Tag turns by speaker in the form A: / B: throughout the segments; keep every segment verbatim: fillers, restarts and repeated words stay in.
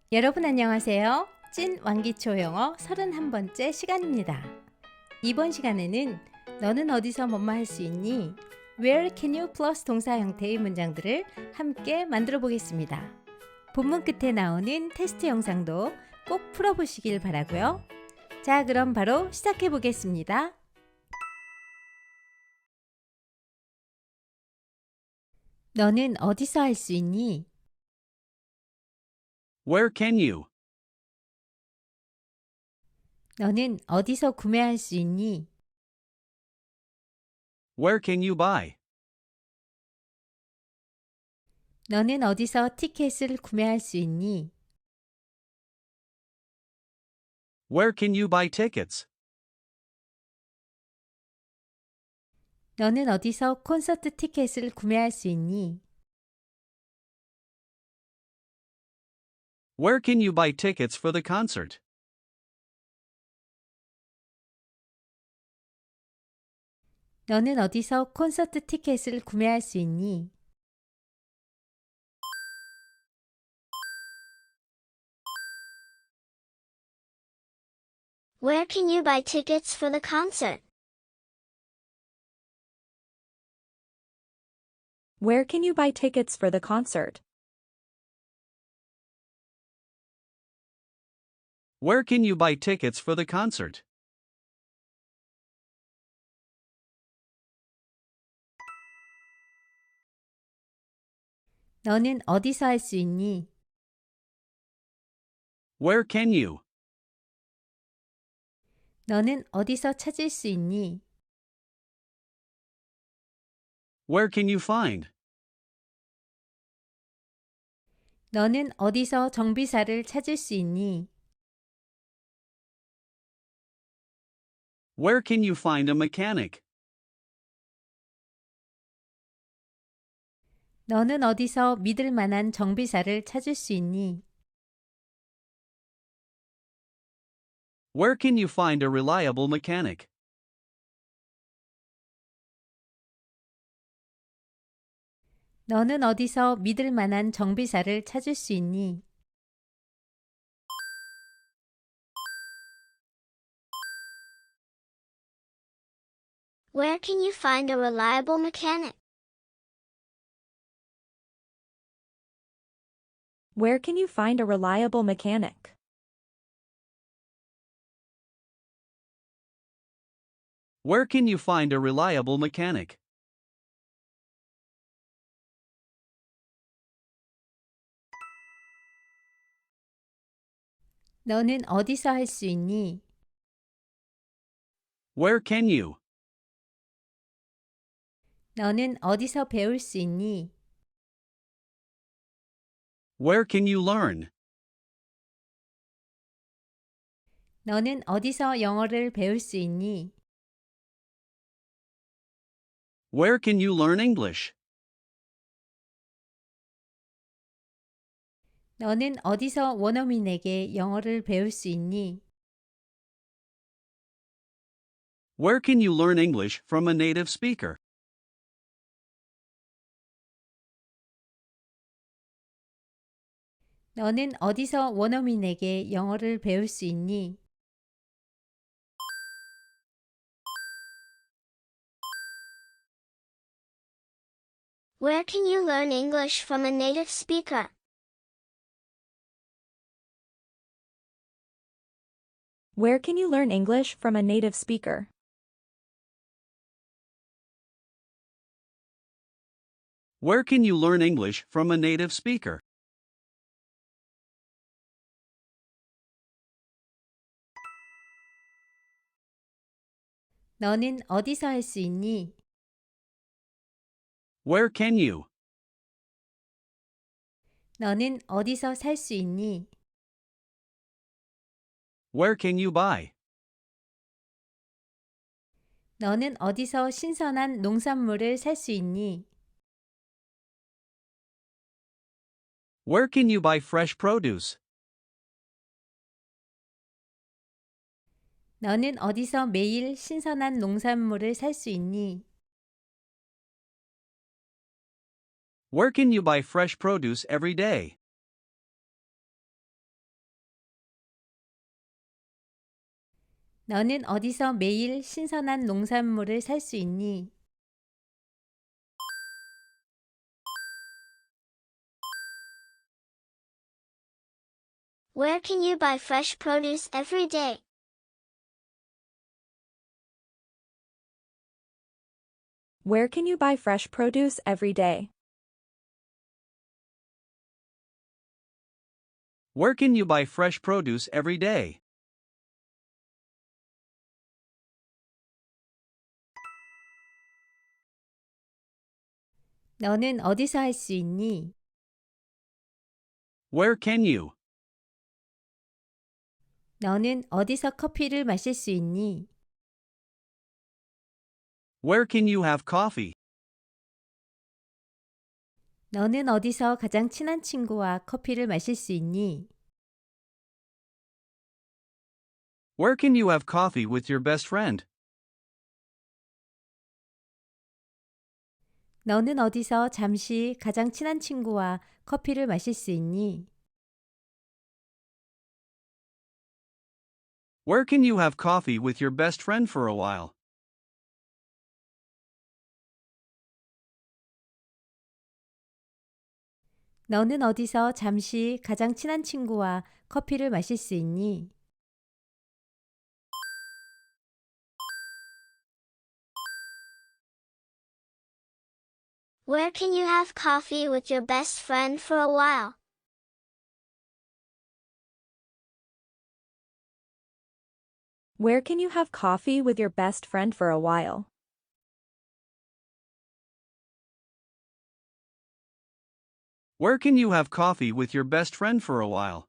A: 여러분 안녕하세요. 찐 왕기초 영어 서른한 번째 시간입니다. 이번 시간에는 너는 어디서 뭐뭐 할 수 있니? Where can you 플러스 동사 형태의 문장들을 함께 만들어 보겠습니다. 본문 끝에 나오는 테스트 영상도 꼭 풀어보시길 바라고요. 자, 그럼 바로 시작해 보겠습니다. 너는 어디서 할 수 있니?
B: Where can you?
A: 너는 어디서 구매할 수 있니?
B: Where can you buy?
A: 너는 어디서 티켓을 구매할 수 있니?
B: Where can you buy tickets?
A: 너는 어디서 콘서트 티켓을 구매할 수 있니?
B: Where can you buy tickets for the concert?
A: 너는 어디서 콘서트 티켓을 구매할 수 있니?
C: Where can you buy tickets for the concert?
D: Where can you buy tickets for the concert?
B: Where can you buy tickets for the concert?
A: 너는 어디서 할 수 있니?
B: Where can you?
A: 너는 어디서 찾을 수 있니?
B: Where can you find?
A: 너는 어디서 정비사를 찾을 수 있니?
B: Where can you find a mechanic?
A: 너는 어디서 믿을 만한 정비사를 찾을 수 있니?
B: Where can you find a reliable mechanic?
A: 너는 어디서 믿을 만한 정비사를 찾을 수 있니?
C: Where can you find a reliable mechanic?
D: Where can you find a reliable mechanic?
B: Where can you find a reliable mechanic?
A: 너는 어디서 할 수 있니?
B: Where can you?
A: 너는 어디서 배울 수 있니?
B: Where can you learn?
A: 너는 어디서 영어를 배울 수 있니?
B: Where can you learn English?
A: 너는 어디서 원어민에게 영어를 배울 수 있니?
B: Where can you learn English from a native speaker?
A: 너는 어디서 원어민에게 영어를 배울 수 있니?
C: Where can you learn English from a native speaker?
D: Where can you learn English from a native speaker?
B: Where can you learn English from a native speaker?
A: 너는 어디서 할 수 있니?
B: Where can you?
A: 너는 어디서 살 수 있니?
B: Where can you buy?
A: 너는 어디서 신선한 농산물을 살 수 있니?
B: Where can you buy fresh produce?
A: 너는 어디서 매일 신선한 농산물을 살 수 있니?
B: Where can you buy fresh produce every day?
A: 너는 어디서 매일 신선한 농산물을 살 수 있니?
C: Where can you buy fresh produce every day?
D: Where can you buy fresh produce every day?
B: Where can you buy fresh produce every day?
A: 너는 어디서 할 수 있니?
B: Where can you?
A: 너는 어디서 커피를 마실 수 있니?
B: Where can you have coffee?
A: 너는 어디서 가장 친한 친구와 커피를 마실 수 있니?
B: Where can you have coffee with your best friend?
A: 너는 어디서 잠시 가장 친한 친구와 커피를 마실 수 있니?
B: Where can you have coffee with your best friend for a while?
A: 너는 어디서 잠시 가장 친한 친구와 커피를 마실 수 있니?
C: Where can you have coffee with your best friend for a while?
D: Where can you have coffee with your best friend for a while?
B: Where can you have coffee with your best friend for a while?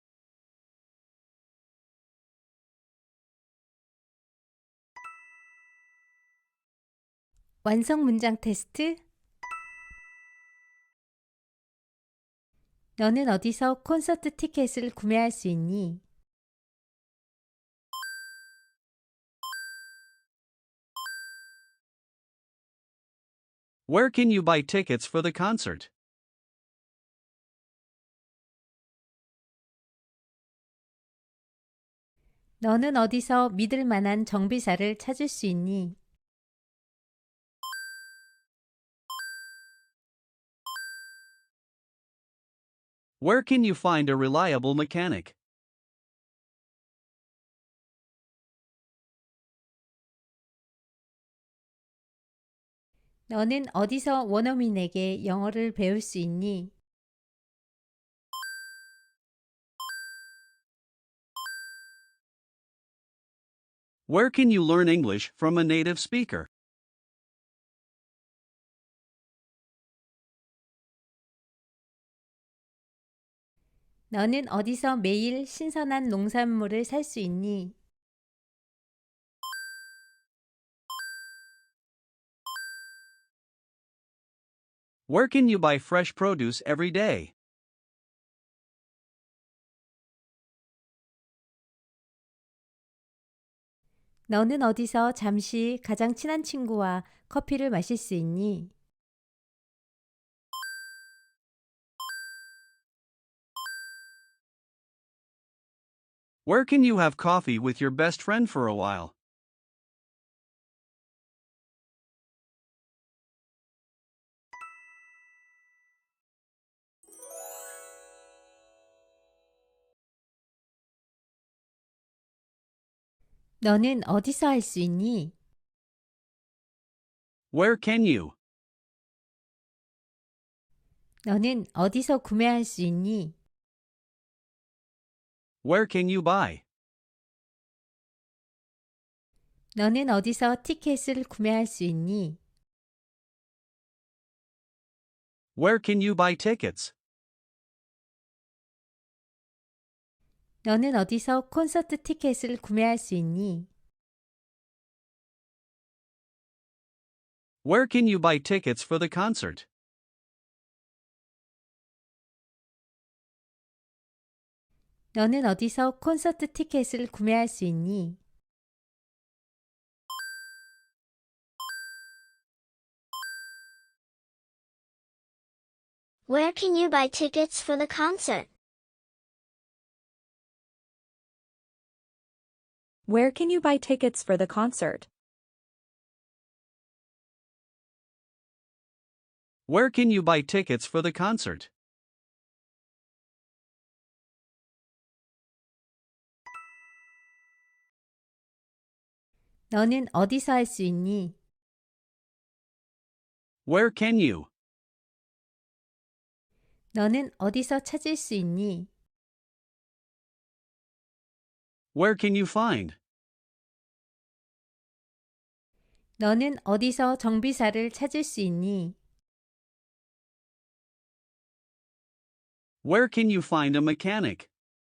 A: 완성 문장 테스트. 너는 어디서 콘서트 티켓을 구매할 수 있니?
B: Where can you buy tickets for the concert?
A: 너는 어디서 믿을 만한 정비사를 찾을 수 있니?
B: Where can you find a reliable mechanic?
A: 너는 어디서 원어민에게 영어를 배울 수 있니?
B: Where can you learn English from a native speaker?
A: 너는 어디서 매일 신선한 농산물을 살 수 있니?
B: Where can you buy fresh produce every day?
A: 너는 어디서 잠시 가장 친한 친구와 커피를 마실 수 있니?
B: Where can you have coffee with your best friend for a while?
A: 너는 어디서 할 수 있니?
B: Where can you?
A: 너는 어디서 구매할 수 있니?
B: Where can you buy?
A: 너는 어디서 티켓을 구매할 수 있니?
B: Where can you buy tickets?
A: 너는 어디서 콘서트 티켓을 구매할 수 있니?
B: Where can you buy tickets for the concert?
A: 너는 어디서 콘서트 티켓을 구매할 수 있니?
C: Where can you buy tickets for the concert?
D: Where can you buy tickets for the concert?
B: Where can you buy tickets for the concert?
A: 너는 어디서 할 수 있니?
B: Where can you?
A: 너는 어디서 찾을 수 있니?
B: Where can you find?
A: 너는 어디서 정비사를 찾을 수 있니?
B: Where can you find a mechanic?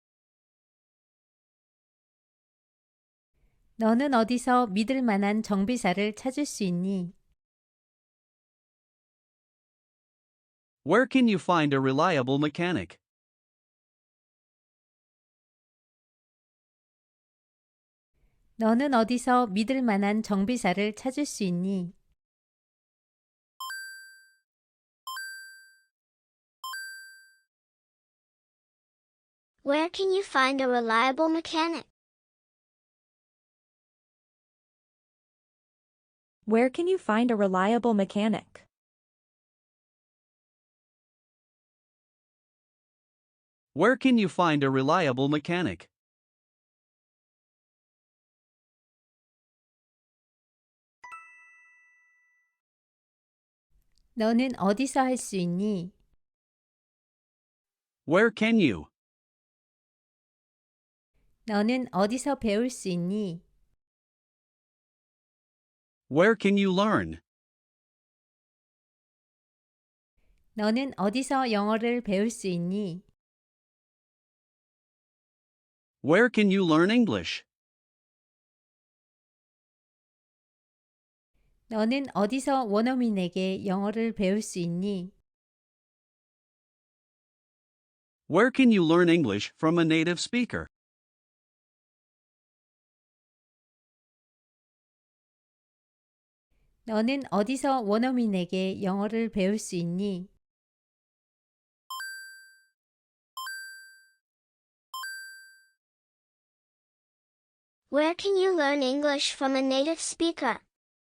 A: 너는 어디서 믿을 만한 정비사를 찾을 수 있니?
B: Where can you find a reliable mechanic?
A: 너는 어디서 믿을 만한 정비사를 찾을 수 있니?
C: Where can you find a reliable mechanic?
D: Where can you find a reliable mechanic?
B: Where can you find a reliable mechanic?
A: 너는 어디서 할 수 있니?
B: Where can you?
A: 너는 어디서 배울 수 있니?
B: Where can you learn?
A: 너는 어디서 영어를 배울 수 있니?
B: Where can you learn English?
A: 너는 어디서 원어민에게 영어를 배울 수 있니?
B: Where can you learn English from a native speaker?
A: 너는 어디서 원어민에게 영어를 배울 수 있니?
C: Where can you learn English from a native speaker?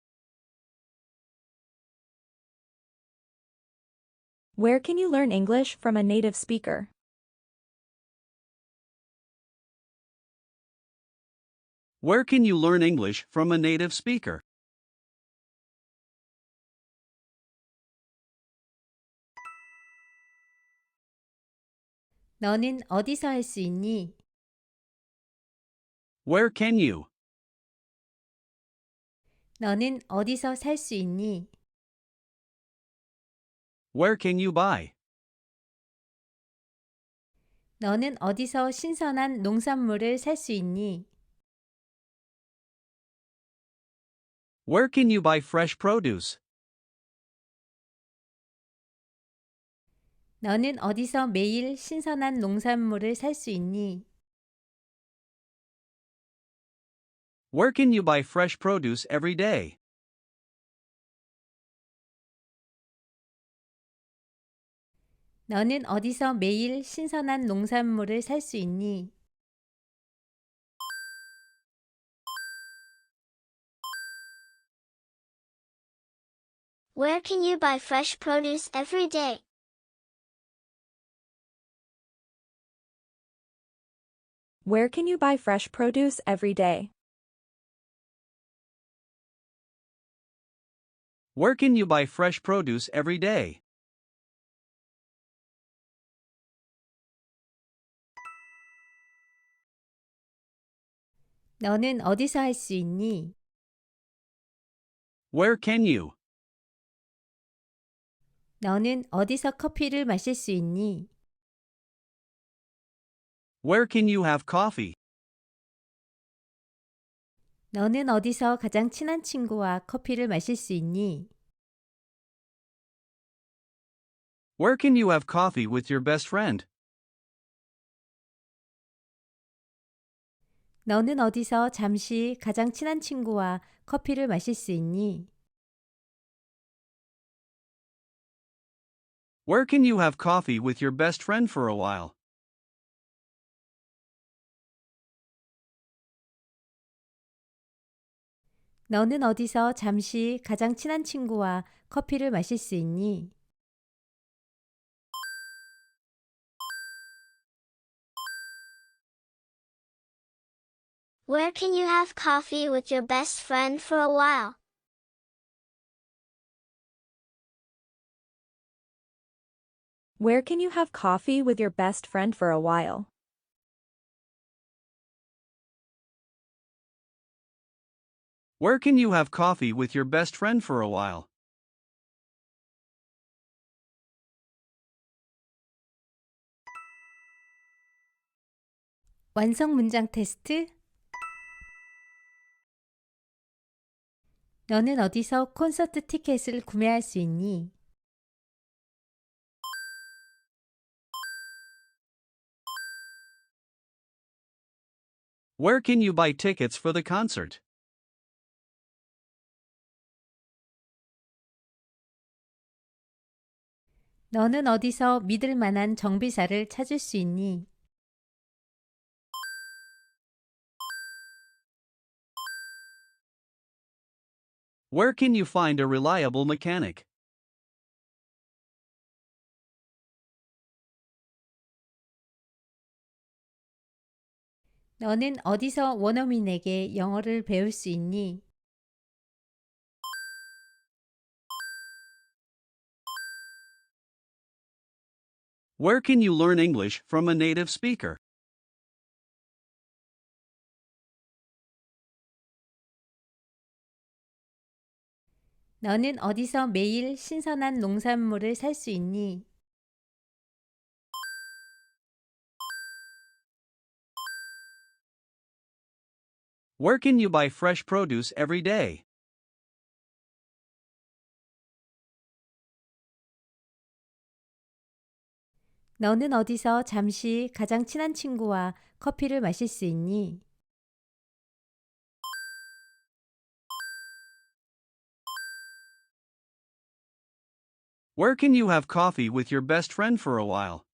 D: Where can you learn English from a native speaker?
B: Where can you learn English from a native speaker?
A: 너는 어디서 할 수 있니?
B: Where can you?
A: 너는 어디서 살 수 있니?
B: Where can you buy?
A: 너는 어디서 신선한 농산물을 살 수 있니?
B: Where can you buy fresh produce?
A: 너는 어디서 매일 신선한 농산물을 살 수 있니?
B: Where can you buy fresh produce every day?
A: 너는 어디서 매일 신선한 농산물을 살 수 있니?
C: Where can you buy fresh produce every day?
D: Where can you buy fresh produce every day?
B: Where can you buy fresh produce every day?
A: 너는 어디서 할 수 있니?
B: Where can you?
A: 너는 어디서 커피를 마실 수 있니?
B: Where can you have coffee?
A: 너는 어디서 가장 친한 친구와 커피를 마실 수 있니?
B: Where can you have coffee with your best friend?
A: 너는 어디서 잠시 가장 친한 친구와 커피를 마실 수 있니?
B: Where can you have coffee with your best friend for a while?
A: 너는 어디서 잠시 가장 친한 친구와 커피를 마실 수 있니?
C: Where can you have coffee with your best friend for a while?
D: Where can you have coffee with your best friend for a while?
B: Where can you have coffee with your best friend for a while?
A: 완성 문장 테스트. 너는 어디서 콘서트 티켓을 구매할 수 있니?
B: Where can you buy tickets for the concert?
A: 너는 어디서 믿을 만한 정비사를 찾을 수 있니?
B: Where can you find a reliable mechanic?
A: 너는 어디서 원어민에게 영어를 배울 수 있니?
B: Where can you learn English from a native speaker?
A: 너는 어디서 매일 신선한 농산물을 살 수 있니?
B: Where can you buy fresh produce every day?
A: 너는 어디서 잠시 가장 친한 친구와 커피를 마실 수 있니?
B: Where can you have coffee with your best friend for a while?